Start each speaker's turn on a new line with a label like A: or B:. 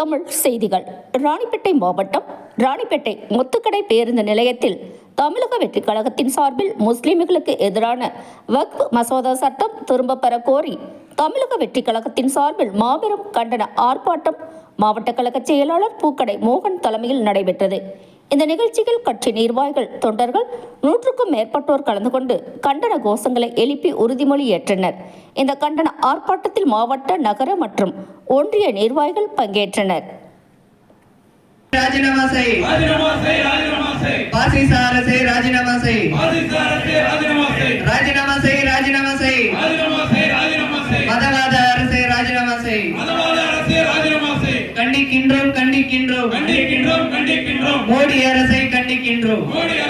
A: தமிழ் செய்திகள். ராணிப்பேட்டை மாவட்டம் ராணிப்பேட்டை முத்துக்கடை பேருந்து நிலையத்தில் தமிழக வெற்றிக் கழகத்தின் சார்பில் முஸ்லிம்களுக்கு எதிரான வக்ஃப் மசோதா சட்டம் திரும்ப பெற கோரி தமிழக வெற்றிக் கழகத்தின் சார்பில் மாபெரும் கண்டன ஆர்ப்பாட்டம் மாவட்ட கழக செயலாளர் பூக்கடை மோகன் தலைமையில் நடைபெற்றது. இந்த நிகழ்ச்சியில் கட்சி நிர்வாகிகள், தொண்டர்கள் 100க்கும் மேற்பட்டோர் கலந்து கொண்டு கண்டன கோஷங்களை எழுப்பி உறுதிமொழி ஏற்றனர். இந்த கண்டன ஆர்ப்பாட்டத்தில் மாவட்ட, நகர மற்றும் ஒன்றிய நிர்வாகிகள் பங்கேற்றனர்.
B: ராஜினாமா செய், ராஜினாமா செய், ராஜினாமா செய், பாசிச அரசே ராஜினாமா செய், பாசிச அரசே ராஜினாமா செய், ராஜினாமா செய், ராஜினாமா செய், ராஜினாமா செய், ராஜினாமா செய், மதவாத அரசே ராஜினாமா செய், மதவாத அரசே ராஜினாமா செய், கண்டிக்கின்றோம் கண்டிக்கின்றோம் கண்டிக்கின்றோம் கண்டிக்கின்றோம், மோடி அரசை கண்டிக்கின்றோம், மோடி